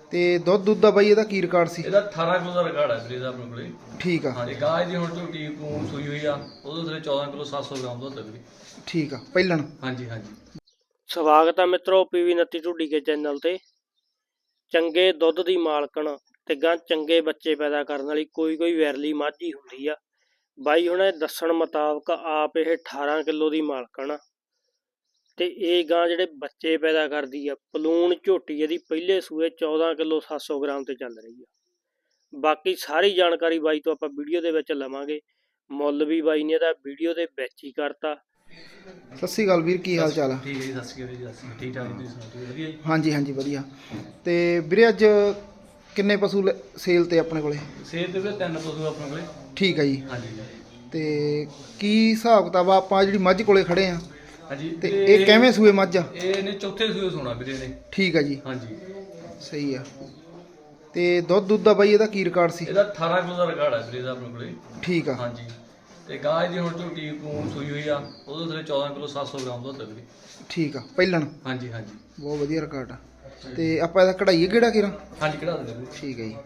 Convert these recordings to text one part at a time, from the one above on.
ਤੇ ਦੁੱਧ ਦਾ ਬਾਈ ਇਹਦਾ ਕੀ ਰਿਕਾਰਡ ਸੀ? ਇਹਦਾ 18 ਕਿਲੋ ਦਾ ਰਿਕਾਰਡ ਹੈ ਵੀਰੇ ਇਹਦਾ ਆਪਣੇ ਕੋਲੇ। ਠੀਕ ਆ। ਹਾਂਜੀ ਗਾਂ ਦੀ ਹੁਣ ਝੋਟੀ ਨੂੰ ਸੂਈ ਹੋਈ ਆ, ਉਹਦੇ ਥੱਲੇ 14 ਕਿਲੋ 700 ਗ੍ਰਾਮ ਦੁੱਧ ਹੈ ਵੀਰੇ। ਠੀਕ ਆ ਪਹਿਲਣ। ਹਾਂਜੀ ਹਾਂਜੀ। ਸਵਾਗਤ ਹੈ ਮਿੱਤਰੋ ਪੀਵੀ 29 ਢੁੱਡੀ ਕੇ ਚੈਨਲ ਤੇ। ਚੰਗੇ ਦੁੱਧ ਦੀ ਮਾਲਕਣ ਤੇ ਗਾਂ ਚੰਗੇ ਬੱਚੇ ਪੈਦਾ ਕਰਨ ਵਾਲੀ ਕੋਈ ਵੈਰਲੀ ਮੱਝ ਹੀ ਹੁੰਦੀ ਆ। ਬਾਈ ਹੁਣ ਦੱਸਣ ਮੁਤਾਬਕ ਆਪ ਇਹ 18 ਕਿਲੋ ਦੀ ਮਾਲਕਣ ਆ ਤੇ ਇਹ ਗਾਂ ਜਿਹੜੇ ਬੱਚੇ ਪੈਦਾ ਕਰਦੀ ਆ। ਪਲੂਣ ਝੋਟੀ ਇਹਦੀ ਪਹਿਲੇ ਸੂਏ 14 ਕਿਲੋ 700 ਗ੍ਰਾਮ ਤੇ ਚੱਲ ਰਹੀ ਆ। ਬਾਕੀ ਸਾਰੀ ਜਾਣਕਾਰੀ ਬਾਈ ਤੋਂ ਆਪਾਂ ਵੀਡੀਓ ਦੇ ਵਿੱਚ ਲਵਾਂਗੇ। ਮੁੱਲ ਵੀ ਬਾਈ ਨੇ ਇਹਦਾ ਵੀਡੀਓ ਦੇ ਵਿੱਚ ਹੀ ਕਰਤਾ। ਸਤਿ ਸ਼੍ਰੀ ਅਕਾਲ ਵੀਰ, ਕੀ ਹਾਲ ਚਾਲ ਆ? ਠੀਕ ਹੈ ਜੀ, ਸਤਿ ਸ਼੍ਰੀ ਅਕਾਲ ਜੀ, ਸਤਿ ਸ਼੍ਰੀ ਅਕਾਲ। ਠੀਕ ਠਾਕ ਤੁਸੀਂ ਸੁਣਾਓ, ਠੀਕ ਵਧੀਆ ਜੀ? ਹਾਂਜੀ ਹਾਂਜੀ ਵਧੀਆ। ਤੇ ਵੀਰੇ ਅੱਜ ਕਿੰਨੇ ਪਸ਼ੂ ਸੇਲ ਤੇ ਆਪਣੇ ਕੋਲੇ? ਸੇਲ ਤੇ ਵੀਰੇ 3 ਪਸ਼ੂ ਆਪਣੇ ਕੋਲੇ। ਠੀਕ ਆ ਜੀ। ਹਾਂਜੀ ਤੇ ਕੀ ਹਿਸਾਬ ਕਿਤਾਬ ਆ? ਆਪਾਂ ਜਿਹੜੀ ਮੱਝ ਕੋਲੇ ਖੜੇ ਆ ਹਾਂਜੀ। ਤੇ ਇਹ ਕਿਵੇਂ ਸੂਏ ਮੱਝ ਆ? ਇਹਨੇ ਚੌਥੇ ਸੂਏ ਸੋਣਾ ਵੀਰੇ ਨੇ। ਠੀਕ ਆ ਜੀ। ਹਾਂਜੀ ਸਹੀ ਆ। ਤੇ ਦੁੱਧ ਦਾ ਬਾਈ ਇਹਦਾ ਕੀ ਰਿਕਾਰਡ ਸੀ? ਇਹਦਾ 18 ਕਿਲੋ ਦਾ ਰਿਕਾਰਡ ਹੈ ਵੀਰੇ ਇਹਦਾ ਆਪਣੇ ਕੋਲੇ। ਠੀਕ ਆ। ਹਾਂਜੀ ਤੇ ਗਾਂ ਦੀ ਹੁਣ ਝੋਟੀ ਨੂੰ ਸੂਈ ਹੋਈ ਆ, ਉਹਦੇ ਥੱਲੇ 14 ਕਿਲੋ 700 ਗ੍ਰਾਮ ਦੁੱਧ ਹੈ ਵੀਰੇ। ਠੀਕ ਆ ਪਹਿਲਣ। ਹਾਂਜੀ ਹਾਂਜੀ। ਬਹੁਤ ਵਧੀਆ ਰਿਕਾਰਡ ਆ। ਤੇ ਆਪਾਂ ਇਹਦਾ ਕਢਾਈਏ ਕਿਹੜਾ ਕਿਰਾ? ਹਾਂਜੀ ਕਢਾ ਦਿੰਦੇ ਵੀਰੇ। ਠੀਕ ਹੈ ਜੀ।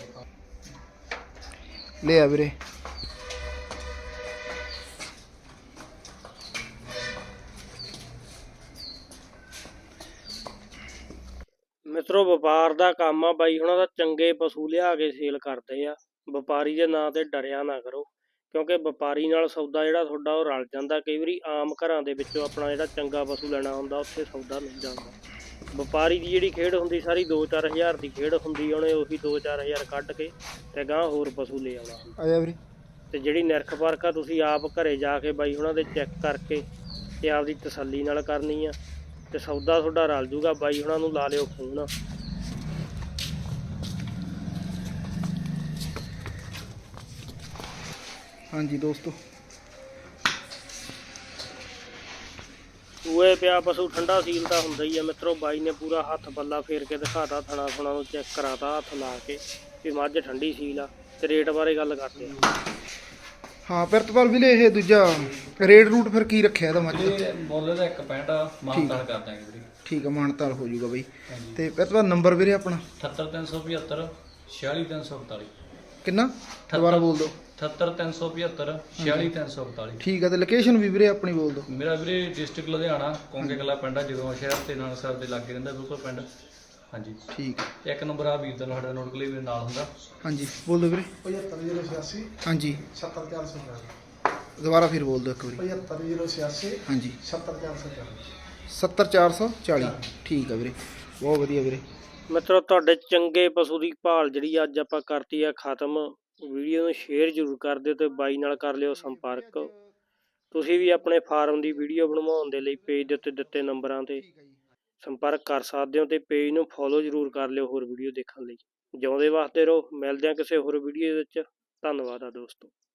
ਲੈ ਆ ਵੀਰੇ। ਮਿੱਤਰੋ ਵਪਾਰ ਦਾ ਕੰਮ ਆ ਬਾਈ ਹੁਣਾਂ ਦਾ। ਚੰਗੇ ਪਸ਼ੂ ਲਿਆ ਕੇ ਸੇਲ ਕਰਦੇ ਆ। ਵਪਾਰੀ ਦੇ ਨਾਂ ਤੇ ਡਰਿਆ ਨਾ ਕਰੋ, ਕਿਉਂਕਿ ਵਪਾਰੀ ਨਾਲ ਸੌਦਾ ਜਿਹੜਾ ਤੁਹਾਡਾ ਉਹ ਰਲ ਜਾਂਦਾ। ਕਈ ਵਾਰੀ ਆਮ ਘਰਾਂ ਦੇ ਵਿੱਚੋਂ ਆਪਣਾ ਜਿਹੜਾ ਚੰਗਾ ਪਸ਼ੂ ਲੈਣਾ ਹੁੰਦਾ ਉੱਥੇ ਸੌਦਾ ਨਹੀਂ ਜਾਂਦਾ। ਵਪਾਰੀ ਦੀ ਜਿਹੜੀ ਖੇਡ ਹੁੰਦੀ ਸਾਰੀ 2-4 ਹਜ਼ਾਰ ਦੀ ਖੇਡ ਹੁੰਦੀ। ਉਹਨੇ ਉਹੀ 2-4 ਹਜ਼ਾਰ ਕੱਢ ਕੇ ਤੇ ਗਾਂ ਹੋਰ ਪਸ਼ੂ ਲੈ ਆਉਣਾ ਹੁੰਦਾ। ਆ ਜਾ ਵੀਰੇ। ਤੇ ਜਿਹੜੀ ਨਿਰਖ ਪਰਖ ਆ ਤੁਸੀਂ ਆਪ ਘਰੇ ਜਾ ਕੇ ਬਾਈ ਹੁਣਾਂ ਦੇ ਚੈੱਕ ਕਰਕੇ ਤੇ ਆਪਦੀ ਤਸੱਲੀ ਨਾਲ ਕਰਨੀ ਆ ਤੇ ਸੌਦਾ ਤੁਹਾਡਾ ਰਲ ਜੂਗਾ। ਬਾਈ ਹੁਣਾਂ ਨੂੰ ਲਾ ਲਿਓ ਫੋਨ। ਹਾਂਜੀ ਦੋਸਤੋ, ਸੂਏ ਪਿਆ ਪਸ਼ੂ ਠੰਡਾ ਸੀਲ ਤਾਂ ਹੁੰਦਾ ਹੀ ਆ ਮਿੱਤਰੋ। ਬਾਈ ਨੇ ਪੂਰਾ ਹੱਥ ਪੱਲਾ ਫੇਰ ਕੇ ਦਿਖਾਤਾ, ਥਣਾ ਥੁਣਾ ਨੂੰ ਚੈੱਕ ਕਰਾਤਾ ਹੱਥ ਲਾ ਕੇ ਵੀ ਮੱਝ ਠੰਡੀ ਸੀਲ ਆ। ਤੇ ਰੇਟ ਬਾਰੇ ਗੱਲ ਕਰਦੇ ਆ। ਹਾਂ ਪਿਰਤਪਾਲ ਵੀਰੇ, ਇਹ ਦੂਜਾ ਰੇਟ ਰੂਟ ਫਿਰ ਕੀ ਰੱਖਿਆ ਇਹਦਾ ਮੱਝ ਦਾ? ਇਹ ਮੁੱਲ ਦਾ 1.65 ਮਾਨਤਾਨ ਕਰ ਦਾਂਗੇ ਵੀਰੇ। ਠੀਕ ਆ, ਮਾਨਤਾਲ ਹੋ ਜਾਊਗਾ ਬਈ। ਤੇ ਪਿਰਤਪਾਲ ਨੰਬਰ ਵੀਰੇ ਆਪਣਾ? 78375 46342। ਕਿੰਨਾ ਦੁਬਾਰਾ ਬੋਲ ਦਿਓ। 78375 46342। ਠੀਕ ਆ। ਤੇ ਲੋਕੇਸ਼ਨ ਵੀ ਵੀਰੇ ਆਪਣੀ ਬੋਲ ਦਿਓ। ਮੇਰਾ ਵੀਰੇ ਡਿਸਟ੍ਰਿਕਟ ਲੁਧਿਆਣਾ, ਕੋਂਗੇ ਕਲਾ ਪਿੰਡ ਆ, ਜਦੋਂ ਸ਼ਹਿਰ ਤੇ ਨਾਨਕਸਰ ਦੇ ਲਾਗੇ ਰਹਿੰਦਾ ਬਿਲਕੁਲ ਪਿੰਡ। ਹਾਂਜੀ ਠੀਕ ਆ। ਇੱਕ ਨੰਬਰ ਆ ਵੀਰ ਦਾ ਸਾਡਾ ਨੋਟ ਕਲੀ ਨਾਲ ਹੁੰਦਾ। ਹਾਂਜੀ ਬੋਲ ਦਿਓ ਵੀਰੇ। 75086 ਹਾਂਜੀ 70440। ਦੁਬਾਰਾ ਫਿਰ ਬੋਲ ਦਿਓ ਇੱਕ ਵਾਰੀ। 75086 ਹਾਂਜੀ 70440। 70440। ਠੀਕ ਆ ਵੀਰੇ, ਬਹੁਤ ਵਧੀਆ ਵੀਰੇ। ਮਿੱਤਰੋ ਤੁਹਾਡੇ ਚੰਗੇ ਪਸ਼ੂ ਦੀ ਭਾਲ ਜਿਹੜੀ ਅੱਜ ਆਪਾਂ ਕਰਤੀ ਆ ਖਤਮ। ਵੀਡੀਓ ਨੂੰ ਸ਼ੇਅਰ ਜ਼ਰੂਰ ਕਰ ਦਿਓ ਤੇ ਬਾਈ ਨਾਲ ਕਰ ਲਿਓ ਸੰਪਰਕ। ਤੁਸੀਂ ਵੀ ਆਪਣੇ ਫਾਰਮ ਦੀ ਵੀਡੀਓ ਬਣਵਾਉਣ ਦੇ ਲਈ ਪੇਜ ਦੇ ਉੱਤੇ ਦਿੱਤੇ ਨੰਬਰਾਂ ਤੇ ਸੰਪਰਕ ਕਰ ਸਕਦੇ ਹੋ ਤੇ ਪੇਜ ਨੂੰ ਫੋਲੋ ਜ਼ਰੂਰ ਕਰ ਲਿਓ ਹੋਰ ਵੀਡੀਓ ਦੇਖਣ ਲਈ। ਜਿਉਂਦੇ ਵਾਸਤੇ ਰਹੋ। ਮਿਲਦੇ ਹਾਂ ਕਿਸੇ ਹੋਰ ਵੀਡੀਓ ਵਿੱਚ। ਧੰਨਵਾਦ ਆ ਦੋਸਤੋ।